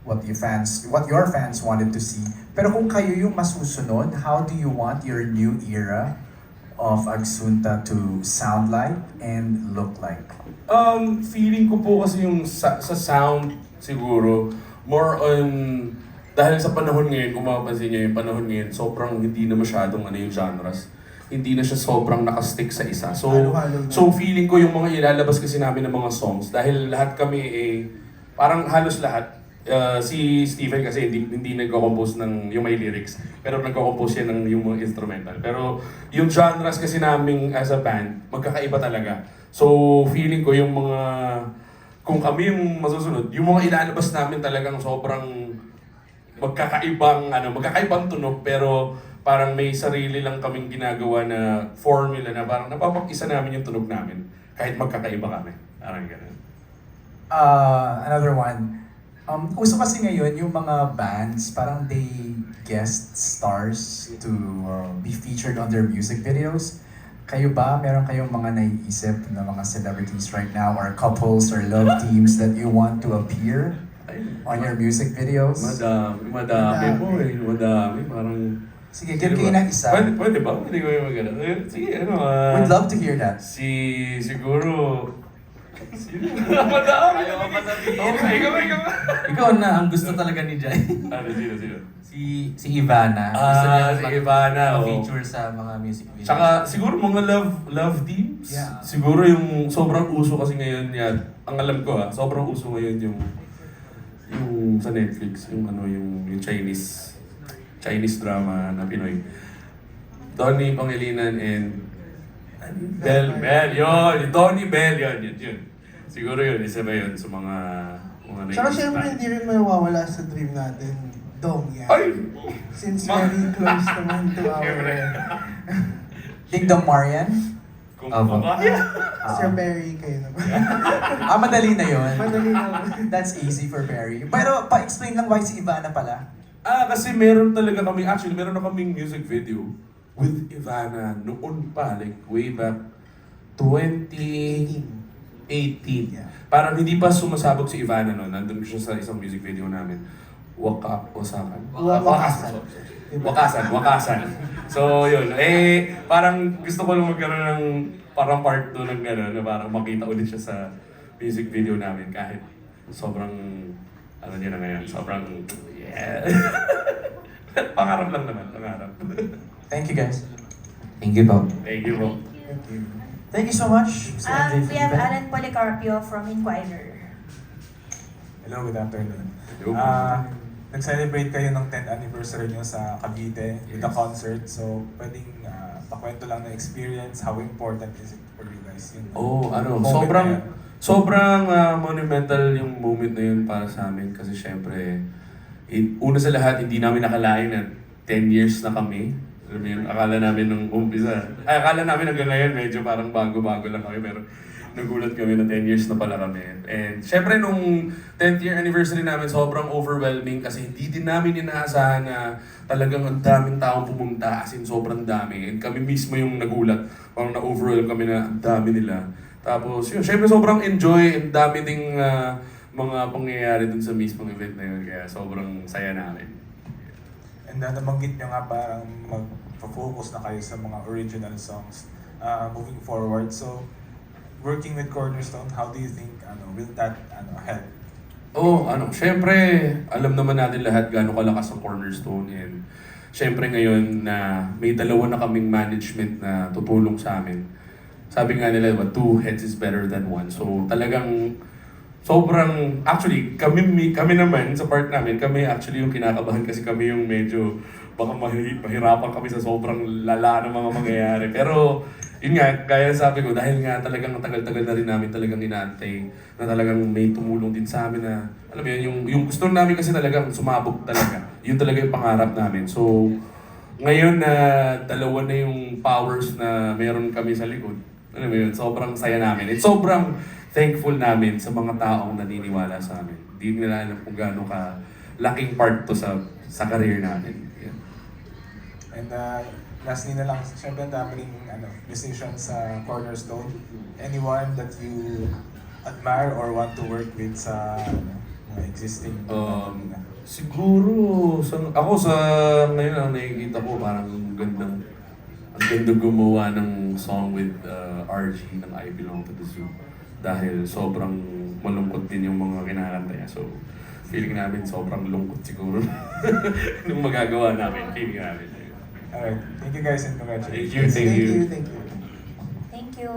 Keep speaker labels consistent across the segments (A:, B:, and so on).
A: what your fans wanted to see. Pero kung kayo yung masusunod, how do you want your new era of Agsunta to sound like and look like?
B: Feeling ko po kasi yung sa sound siguro, more on, dahil sa panahon ngayon, kung mapapansin niyo yung panahon ngayon, sobrang hindi na masyadong yung genres. Hindi na siya sobrang nakastick sa isa. So,
C: Halo-halo na.
B: so feeling ko yung mga ilalabas kasi namin ng mga songs, dahil lahat kami parang halos lahat, si Stephen kasi hindi nagko-compose ng yung may lyrics, pero nagko-compose siya ng yung mga instrumental. Pero yung genres kasi namin as a band, magkakaiba talaga. So feeling ko yung mga, kung kami yung masusunod, yung mga ilalabas namin talagang sobrang magkakaibang tunog, pero parang may sarili lang kaming ginagawa na formula na parang napapag-isa namin yung tunog namin kahit magkakaiba kami. Parang ganun.
A: Another one. Uso kasi ngayon yung mga bands, parang they guest stars to be featured on their music videos. Kayo ba, meron kayong mga naiisip na mga celebrities right now or couples or love teams that you want to appear on your music videos?
B: Madami po madami. Parang...
A: Sige, give kayo ng isa.
B: Pwede ba? Pwede ko yung magana. Sige,
A: We'd love to hear that.
B: Siguro... Madami!
D: Ayaw ko pa sabihin.
B: Okay, ikaw.
D: Ikaw na, ang gusto talaga ni Jai.
B: Sino?
D: Si Ivana. Gusto niya
B: Si Ivana, oo.
D: ma-feature sa mga music videos.
B: Tsaka siguro mga love teams.
A: Yeah.
B: Siguro yung sobrang uso kasi ngayon yan. Ang alam ko sobrang uso ngayon yung sa Netflix, yung Chinese drama na Pinoy. Donnie Pangilinan and Bell, yun. Donnie Bell, yun. Siguro yun, isa ba yun sa mga
C: Tsaka
B: naiisip
C: syempre
B: natin.
C: hindi rin mawawala sa dream natin, Dong yan.
B: Ay!
C: Since very close naman to our...
B: Siyempre.
A: Ding Dong Marian?
B: Kung
D: Aba.
B: kaya.
C: Sir Barry kayo naman.
A: Madali na yun.
C: Madali naman.
A: That's easy for Barry. Pero pa-explain lang why si Ivana pala.
B: Kasi meron talaga meron na kaming music video with Ivana noon pa, like way back 2018.
A: Yeah.
B: Parang hindi pa sumasabog si Ivana noon. Nandun siya sa isang music video namin. Wakasan. So yun, parang gusto ko lang magkaroon ng parang part 2 ng gano'n na parang makita ulit siya sa music video namin kahit sobrang, niya na ngayon, sobrang, yeah. Pangarap lang naman, pangarap.
A: Thank you guys.
D: Thank you, Bob.
B: Thank you, bro.
C: Thank you.
A: Thank you so much. Mr. MJ
E: We have
A: Felipe.
E: Alan Policarpio from Inquirer.
F: Hello, good afternoon.
B: Hello.
F: Nag-celebrate kayo ng 10th anniversary nyo sa Cavite with a concert. So, pwedeng pakwento lang na experience, how important is it for you guys? Moment na yan.
B: Sobrang monumental yung moment na yun para sa amin kasi syempre, una sa lahat, hindi namin nakalain na 10 years na kami. Alam mo yun, akala namin nung umpisa. Akala namin hanggang ngayon medyo parang bago-bago lang kami pero nagulat kami na 10 years na pala kami. And syempre nung 10th year anniversary namin, sobrang overwhelming kasi hindi din namin inaasahan na talagang ang daming taong pumunta, as in sobrang dami. And kami mismo yung nagulat, parang na-overwhelm kami na ang dami nila. Tapos yun, syempre sobrang enjoy and dami ding mga pangyayari dun sa mismong event na yun. Kaya sobrang saya namin.
F: And nabanggit nyo nga parang mag-focus na kayo sa mga original songs moving forward. So, working with Cornerstone, how do you think will that help?
B: Syempre, alam naman natin lahat gaano kalakas ang Cornerstone and syempre ngayon na may dalawa na kaming management na tutulong sa amin. Sabi nga nila, two heads is better than one. So talagang sobrang, actually, kami naman sa part namin, kami actually yung kinakabahan kasi kami yung medyo baka mahirapan kami sa sobrang lala ng mga mangyayari. Pero yun nga, gaya sabi ko, dahil nga talagang tagal-tagal na rin namin talagang inaantay na talagang may tumulong din sa amin na, alam mo yun, yung gusto namin kasi talagang sumabog talaga. Yun talaga yung pangarap namin. So, ngayon na dalawa na yung powers na meron kami sa likod, alam mo yun, sobrang saya namin. At sobrang thankful namin sa mga taong naniniwala sa amin. Hindi nila alam kung gaano ka laking part to sa career namin. Yeah.
F: And lastly na lang, syempre ang dami ring musicians sa Cornerstone. Anyone that you admire or want to work with sa existing?
B: Siguro, ako sa ngayon ang nakikita ko parang ang ganda gumawa ng song with RG ng I Belong to the Zoo. Dahil sobrang malungkot din yung mga kinakanta niya. So, feeling namin sobrang lungkot siguro nung magagawa namin. Feeling namin.
F: Alright, thank you guys and congratulations.
B: Thank you, thank you.
C: Thank you.
E: Thank you.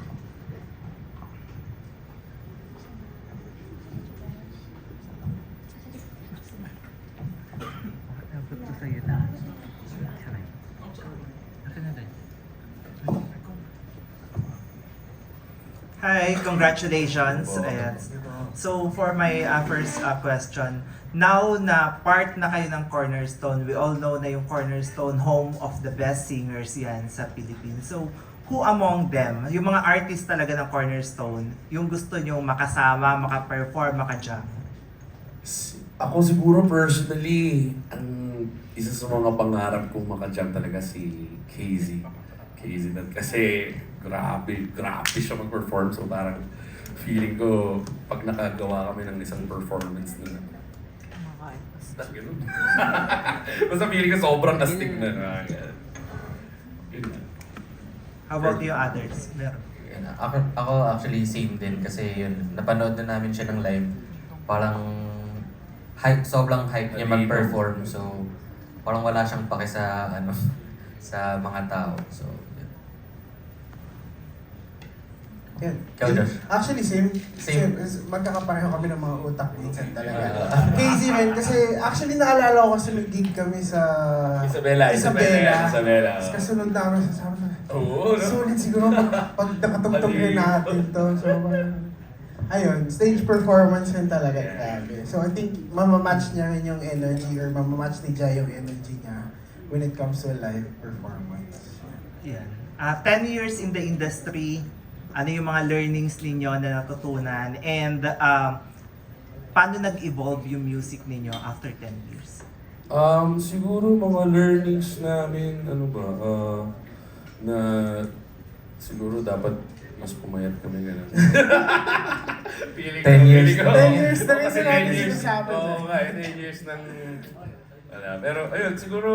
G: Hi, congratulations. Ayan. So for my first question, now na part na kayo ng Cornerstone, we all know na yung Cornerstone home of the best singers yan sa Philippines. So who among them, yung mga artist talaga ng Cornerstone, yung gusto nyo makasama, maka-perform, maka-jam?
B: Ako siguro personally, ang isa sa mga pangarap kong makajam talaga si KZ. Kasi grabe siya mag-perform. So parang feeling ko, pag nakagawa kami ng isang performance na basta ganun. Basta feeling ko sobrang astig na. Yun na.
G: How about you others? Meron.
D: Yun, ako actually same din kasi yun, napanood na namin siya ng live. Parang sobrang hype niya mag-perform. So parang wala siyang pake sa sa mga tao. So
C: Yan.
D: Ikaw, Josh?
C: Actually, same.
D: Same.
C: Magkakapareho kami ng mga utak minsan talaga. Crazy man, kasi actually naalala ko kasi nag-gig kami sa
B: Isabela.
C: Tapos kasunod namin sa sabi ko,
B: Oo, no?
C: sulit siguro pag nakatugtog rin natin to. So, ayun, stage performance rin talaga. Grabe. So, I think mamamatch niya rin yung energy or mamamatch ni Jai yung energy niya when it comes to live performance.
G: Yan. 10 years in the industry, ano yung mga learnings ninyo na natutunan? And paano nag-evolve yung music ninyo after 10 years?
B: Siguro mga learnings namin, na siguro dapat mas pumayat kami ganun.
D: 10 years.
C: 10 years na rin
B: Kasi
C: sila
B: 10 years.
C: sinasabi.
B: Oo nga, 10 years ng pero ayun, siguro,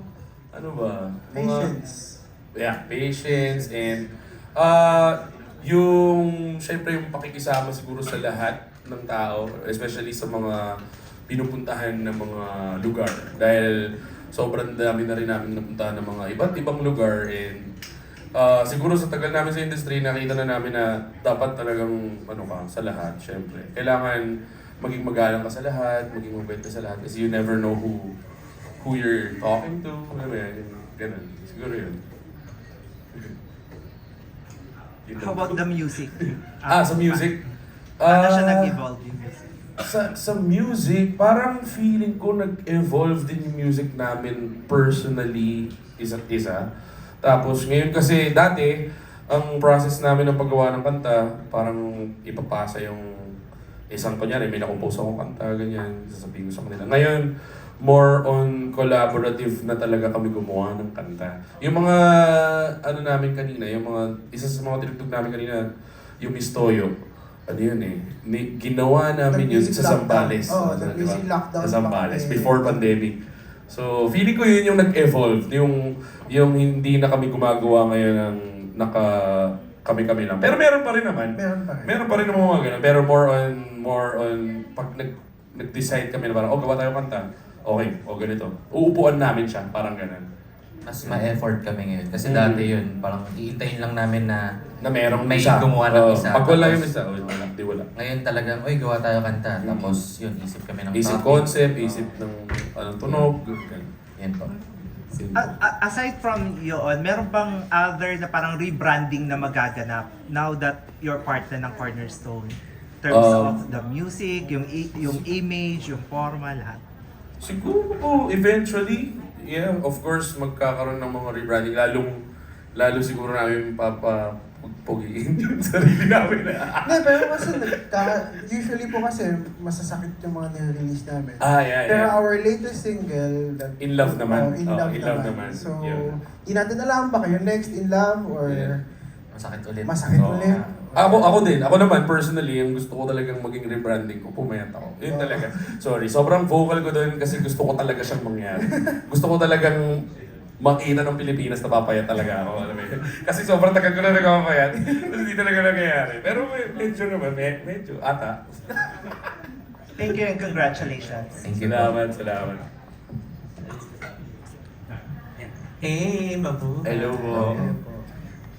C: Patience.
B: Patience and yung, syempre yung pakikisama siguro sa lahat ng tao, especially sa mga pinupuntahan ng mga lugar. Dahil sobrang dami na rin namin napuntahan ng mga iba't ibang lugar and siguro sa tagal namin sa industry, nakita na namin na dapat talagang sa lahat, syempre. Kailangan maging magalang ka sa lahat, maging mabait ka sa lahat kasi you never know who you're talking to, ganun. Siguro yun.
G: How about the music?
B: Sa music?
G: Paano siya nag-evolve yung music?
B: Sa music, parang feeling ko nag-evolve din yung music namin personally, isa't isa. Tapos ngayon kasi dati, ang process namin ng paggawa ng kanta, parang ipapasa yung isang kunyari, may nakompose akong kanta, ganyan, sasabihin ko sa kanila. Ngayon, more on collaborative na talaga kami gumawa ng kanta. Yung mga, namin kanina, isa sa mga tinugtog namin kanina, yung Miss Toyo. Ginawa namin yun sa Zambales.
C: Oo, nag-music lockdown.
B: Sa Zambales, before pandemic. So, feeling ko yun yung nag-evolve. Yung hindi na kami gumagawa ngayon ng kami-kami lang. Pero meron pa rin naman. Meron pa rin naman mga ganun. Pero more on pag nag-decide kami na parang, gawa tayo kanta. Okay, ganito. Uupuan namin siya, parang ganun.
D: mas ma-effort kami ngayon. Kasi dati yun, parang iintayin lang namin na
B: merong
D: may
B: isa.
D: gumawa ng isa.
B: Pag wala
D: Tapos,
B: yung isa, wala.
D: Ngayon talagang, gawa tayo kanta. Tapos yun, isip kami ng
B: Isip
D: topic.
B: concept, isip ng tunog, ganun.
D: Yan po.
G: Aside from yun, meron bang other na parang rebranding na magaganap now that you're part na ng Cornerstone? In terms of the music, yung image, yung forma, lahat.
B: Siguro eventually, of course, magkakaroon ng mga rebranding. Lalo siguro namin papapugiin yung sarili namin.
C: Hindi, pero kasi usually po kasi masasakit yung mga nire-release namin.
B: Yeah.
C: Pero our latest single,
B: In Love naman.
C: In Love naman. So, di natin alam ba kayo next In Love or
D: Masakit ulit.
C: Masakit
B: Oo.
C: ulit?
B: Ako din. Ako naman, personally, ang gusto ko talagang maging rebranding ko, pumayat ako. Yun talaga. Sorry, sobrang vocal ko doon kasi gusto ko talaga siyang mangyari. Gusto ko talagang makita ng Pilipinas na papayat talaga ako. Alam mo yun? Kasi sobrang tagal ko na nagpapayat. Tapos hindi talaga nangyayari. Pero medyo naman, medyo ata.
G: Thank you and congratulations.
D: Thank you po.
B: Salamat.
H: Hey, Mabu.
B: Hello po.